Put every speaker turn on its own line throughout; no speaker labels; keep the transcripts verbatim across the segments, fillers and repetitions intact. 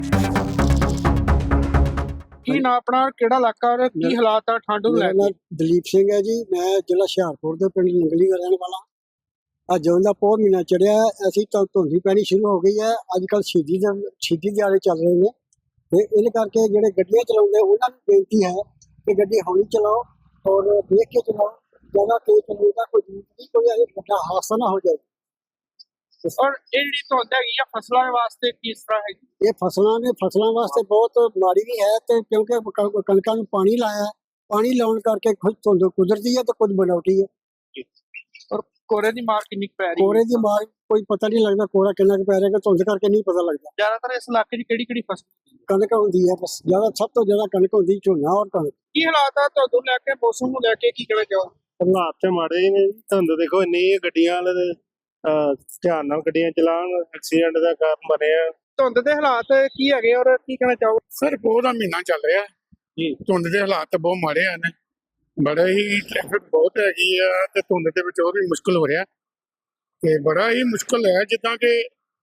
ਕੀ ਨਾ ਆਪਣਾ ਕਿਹੜਾ ਇਲਾਕਾ ਔਰ ਕੀ ਹਾਲਾਤ ਆ ਠੰਡ ਨੂੰ ਲੈ
ਮੇਰਾ
ਕੇ?
ਨਾਮ ਦਲੀਪ ਸਿੰਘ ਹੈ ਜੀ। ਮੈਂ ਜ਼ਿਲ੍ਹਾ ਹੁਸ਼ਿਆਰਪੁਰ ਦੇ ਪਿੰਡ ਨੰਗਲੀ ਦਾ ਰਹਿਣ ਵਾਲਾ। ਅੱਜ ਜਦੋਂ ਦਾ ਪੋਹ ਮਹੀਨਾ ਚੜਿਆ ਅਸੀਂ ਤਾਂ ਧੁੰਦੀ ਪੈਣੀ ਸ਼ੁਰੂ ਹੋ ਗਈ ਹੈ। ਅੱਜ ਕੱਲ੍ਹ ਸ਼ਹੀਦੀ ਦੇ ਸ਼ਹੀਦੀ ਦਿਹਾੜੇ ਚੱਲ ਰਹੇ ਨੇ ਤੇ ਇਹਦੇ ਕਰਕੇ ਜਿਹੜੇ ਗੱਡੀਆਂ ਚਲਾਉਂਦੇ ਉਹਨਾਂ ਨੂੰ ਬੇਨਤੀ ਹੈ ਕਿ ਗੱਡੀ ਹੌਲੀ ਚਲਾਓ ਔਰ ਦੇਖ ਕੇ ਚਲਾਓ। ਜ਼ਿਆਦਾ ਤੇਜ਼ ਚਲਾਉਣ ਦਾ ਕੋਈ ਜ਼ਰੂਰਤ ਨਹੀਂ, ਕੋਈ ਇਹ ਵੱਡਾ ਹਾਦਸਾ ਨਾ ਹੋ ਜਾਏ।
ਔਰ ਇਹ ਜਿਹੜੀ ਧੁੰਦ ਹੈਗੀ ਆ ਫਸਲਾਂ ਦੇ ਵਾਸਤੇ ਕਿਸ ਤਰ੍ਹਾਂ ਹੈਗੀ?
ਇਹ ਫਸਲਾਂ ਨੇ ਫਸਲਾਂ ਵਾਸਤੇ ਬਹੁਤ ਮਾੜੀ ਵੀ ਹੈ ਤੇ ਕਿਉਂਕਿ ਕ- ਕਣਕਾਂ ਨੂੰ ਪਾਣੀ ਲਾਇਆ, ਪਾਣੀ ਲਾਉਣ ਕਰਕੇ ਕੁਝ ਧੁੰਦ ਕੁਦਰਤੀ ਹੈ ਤੇ ਕੁਝ ਬਣਾਉਟੀ ਹੈ।
ਔਰ ਕੋਰੇ ਦੀ ਮਾਰ ਕਿੰਨੀ ਕੁ ਪੈ ਰਹੀ ਹੈ?
ਕੋਰੇ ਦੀ ਮਾਰ ਕੋਈ ਪਤਾ ਨਹੀਂ ਲੱਗਦਾ, ਕੋਰਾ ਕਿੰਨਾ ਕੁ ਪੈ ਰਿਹਾ ਕਿ ਧੁੰਦ ਕਰਕੇ ਨਹੀਂ ਪਤਾ ਲੱਗਦਾ।
ਜ਼ਿਆਦਾਤਰ ਇਸ ਇਲਾਕੇ 'ਚ ਕਿਹੜੀ ਕਿਹੜੀ ਫਸਲ ਹੁੰਦੀ ਹੈ?
ਕਣਕ ਹੁੰਦੀ ਹੈ ਬਸ, ਜ਼ਿਆਦਾ ਸਭ ਤੋਂ ਜ਼ਿਆਦਾ ਕਣਕ ਹੁੰਦੀ, ਝੋਨਾ ਔਰ ਕਣਕ।
ਕੀ ਹਾਲਾਤ ਆ ਧੁੰਦ ਨੂੰ ਲੈ ਕੇ, ਮੌਸਮ ਨੂੰ ਲੈ ਕੇ ਕੀ ਕਹਿਣਾ ਚਾਹੋ?
ਹਾਲਾਤ ਤੇ ਮਾੜੇ ਹੀ ਨੇ। ਧੁੰਦ ਦੇਖੋ ਇੰਨੀ ਗੱਡੀਆਂ ਵਾਲੇ ਅਹ ਧਿਆਨ ਨਾਲ ਗੱਡੀਆਂ ਚਲਾਉਣ, ਐਕਸੀਡੈਂਟ ਦਾ ਕਾਰਨ ਬਣੇ ਆ।
ਧੁੰਦ ਦੇ ਹਾਲਾਤ ਕੀ ਹੈਗੇ ਔਰ ਕੀ ਕਹਿਣਾ ਚਾਹੋ?
ਸਰ ਪੋਹ ਦਾ ਮਹੀਨਾ ਚੱਲ ਰਿਹਾ
ਜੀ।
ਧੁੰਦ ਦੇ ਹਾਲਾਤ ਬਹੁਤ ਮਾੜੇ ਹਨ। ਬੜਾ ਹੀ ਟ੍ਰੈਫਿਕ ਬਹੁਤ ਹੈਗੀ ਆ ਤੇ ਧੁੰਦ ਦੇ ਵਿੱਚ ਹੋਰ ਵੀ ਮੁਸ਼ਕਲ ਹੋ ਰਿਹਾ ਤੇ ਬੜਾ ਹੀ ਮੁਸ਼ਕਲ ਹੈ ਜਿੱਦਾਂ ਕਿ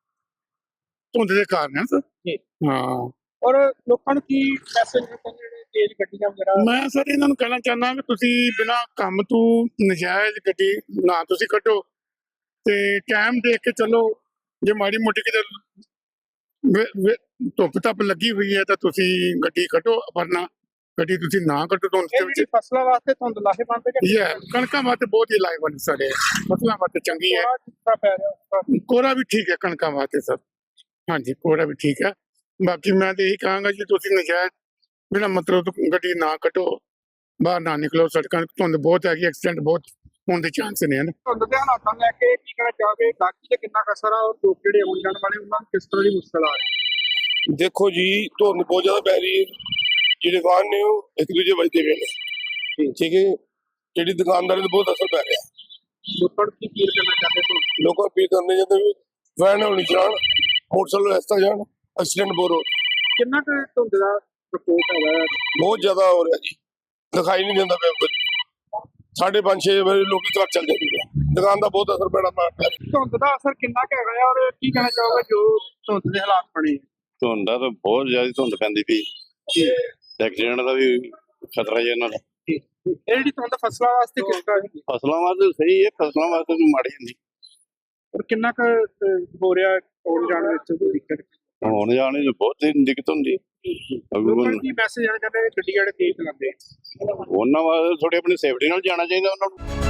ਧੁੰਦ ਦੇ ਕਾਰਨ ਹੈ ਸਰ।
ਜੀ।
ਹਾਂ,
ਔਰ ਲੋਕਾਂ ਨੂੰ ਕੀ ਮੈਸੇਜ ਦਿੱਤਾ ਜਿਹੜੇ ਤੇਜ਼ ਗੱਡੀਆਂ ਵਗੈਰਾ?
ਮੈਂ ਸਰ ਇਹਨਾਂ ਨੂੰ ਕਹਿਣਾ ਚਾਹੁੰਦਾ ਕਿ ਤੁਸੀਂ ਬਿਨਾਂ ਕੰਮ ਤੋਂ ਨਜਾਇਜ਼ ਗੱਡੀ ਨਾ ਤੁਸੀਂ ਕੱਢੋ ਤੇ ਟਾਈਮ ਦੇਖ ਕੇ ਚੱਲੋ। ਜੇ ਮਾੜੀ ਮੋਟੀ ਕਿਤੇ ਵੇ- ਵੇ- ਧੁੱਪ ਧੱਪ ਲੱਗੀ ਹੋਈ ਹੈ ਤਾਂ ਤੁਸੀਂ ਗੱਡੀ ਕੱਢੋ, ਵਰਨਾ ਗੱਡੀ ਤੁਸੀਂ ਨਾ ਕੱਢੋ ਧੁੰਦ
ਇਹ
ਦੇ ਵਿੱਚ।
ਜਿਹੜੀ ਫਸਲਾਂ ਵਾਸਤੇ ਧੁੰਦ ਲਾਹੇਵੰਦ ਹੈ ਕਿ
ਇਹ ਹੈ ਕਣਕਾਂ ਵਾਸਤੇ ਬਹੁਤ ਹੀ ਲਾਹੇਵੰਦ ਸਾਡੇ, ਫਸਲਾਂ ਵਾਸਤੇ ਚੰਗੀ ਹੈ।
ਕੋਰਾ ਕਿਸ ਤਰ੍ਹਾਂ ਪੈ ਰਿਹਾ ਉਸ ਤਰ੍ਹਾਂ?
ਕੋਰਾ ਵੀ ਠੀਕ ਹੈ ਕਣਕਾਂ ਵਾਸਤੇ ਸਰ। ਹਾਂਜੀ, ਕੋਰਾ ਵੀ ਠੀਕ ਹੈ। ਬਾਕੀ ਮੈਂ ਤੇ ਇਹੀ ਕਹਾਂਗਾ ਜੀ ਤੁਸੀਂ ਨਜਾਇਜ਼ ਬਿਨਾਂ ਮਤਲਬ ਤੋਂ ਗੱਡੀ ਨਾ ਕੱਢੋ, ਬਾਹਰ ਨਾ ਨਿਕਲੋ। ਸੜਕਾਂ 'ਤੇ ਧੁੰਦ ਬਹੁਤ ਹੈਗੀ, ਐਕਸੀਡੈਂਟ ਬਹੁਤ ਹੋਣ ਦੇ ਚਾਂਸ ਨੇ।
ਧੁੰਦ ਦੇ ਹਾਲਾਤਾਂ ਨੂੰ ਲੈ ਕੇ ਕੀ ਕਹਿਣਾ ਚਾਹੋਗੇ? ਗਾਕੀ ਤੇ ਕਿੰਨਾ ਕੁ ਅਸਰ ਆ ਔਰ ਲੋਕ ਜਿਹੜੇ ਆਉਣ ਜਾਣ ਵਾਲੇ ਉਹਨਾਂ ਨੂੰ ਕਿਸ ਤਰ੍ਹਾਂ ਦੀ ਮੁਸ਼ਕਲ ਆ ਰਹੀ?
ਦੇਖੋ ਜੀ, ਧੁੰਦ ਬਹੁਤ ਜ਼ਿਆਦਾ ਪੈ ਰਹੀ ਹੈ। ਜਿਹੜੇ ਵਾਹਨ ਨੇ ਉਹ ਇੱਕ ਦੂਜੇ ਵੱਜਦੇ ਪਏ ਨੇ, ਠੀਕ ਹੈ। ਜਿਹੜੀ ਦੁਕਾਨਦਾਰੀ ਨੂੰ ਬਹੁਤ ਅਸਰ ਪੈ ਰਿਹਾ।
ਲੋਕਾਂ ਨੂੰ ਕੀ ਅਪੀਲ ਕਰਨਾ ਚਾਹਦੇ ਹੋ?
ਲੋਕਾਂ ਨੂੰ ਅਪੀਲ ਕਰਨੇ ਚਾਹੀਦੇ ਵੀ ਵੈਨ ਹੌਲੀ ਚਲਾਉਣ, ਮੋਟਰਸਾਈਕਲ ਇਸ ਤਰ੍ਹਾਂ ਜਾਣ, ਐਕਸੀਡੈਂਟ ਬਹੁਤ ਹੋ ਰਹੇ।
ਕਿੰਨਾ ਕੁ ਧੁੰਦ ਦਾ ਪ੍ਰਕੋਪ ਹੈਗਾ ਹੈ?
ਬਹੁਤ ਜ਼ਿਆਦਾ ਹੋ ਰਿਹਾ ਜੀ, ਦਿਖਾਈ ਨਹੀਂ ਦਿੰਦਾ ਪਿਆ ਕੁਝ। ਸਾਢੇ ਪੰਜ ਛੇ ਵਜੇ ਲੋਕੀ ਘਰ ਚੱਲ ਜਾਂਦੇ ਨੇ। ਦੁਕਾਨ ਦਾ ਬਹੁਤ ਅਸਰ ਪੈਣਾ ਮਾਰ ਰਿਹਾ।
ਧੁੰਦ ਦਾ ਅਸਰ ਕਿੰਨਾ ਕੁ ਹੈਗਾ ਹੈ ਔਰ ਕੀ ਕਹਿਣਾ ਚਾਹੋਗੇ ਜੋ ਧੁੰਦ ਦੇ ਹਾਲਾਤ ਬਣੇ?
ਧੁੰਦ ਦਾ ਤਾਂ ਬਹੁਤ ਜ਼ਿਆਦਾ ਧੁੰਦ ਪੈਂਦੀ ਪਈ, ਐਕਸੀਡੈਂਟ ਦਾ ਵੀ ਖਤਰਾ ਜੀ ਇਹਨਾਂ ਦਾ।
ਇਹ ਜਿਹੜੀ ਧੁੰਦ ਫਸਲਾਂ ਵਾਸਤੇ ਕਿਸ ਤਰ੍ਹਾਂ ਹੈਗੀ
ਫਸਲਾਂ ਵਾਸਤੇ ਸਹੀ ਹੈ, ਫਸਲਾਂ ਵਾਸਤੇ ਤਾਂ ਮਾੜੀ ਹੁੰਦੀ।
ਔਰ ਕਿੰਨਾ ਕੁ ਅਹ, ਹੋ ਰਿਹਾ ਆਉਣ ਜਾਣ ਵਿੱਚ ਦਿੱਕਤ?
ਹੁਣ ਜਾਣੇ ਚ ਬਹੁਤ ਹੀ ਦਿੱਕਤ ਹੁੰਦੀ।
ਲੋਕਾਂ ਨੂੰ ਕੀ ਮੈਸੇਜ ਆਣਾ ਚਾਹੁੰਦੇ ਗੱਡੀ ਜਿਹੜੇ ਤੇਜ਼ ਚਲਾਉਂਦੇ?
ਉਹਨਾਂ ਵਾਸਤੇ ਥੋੜੀ ਆਪਣੀ ਸੇਫਟੀ ਨਾਲ ਜਾਣਾ ਚਾਹੀਦਾ ਉਹਨਾਂ ਨੂੰ।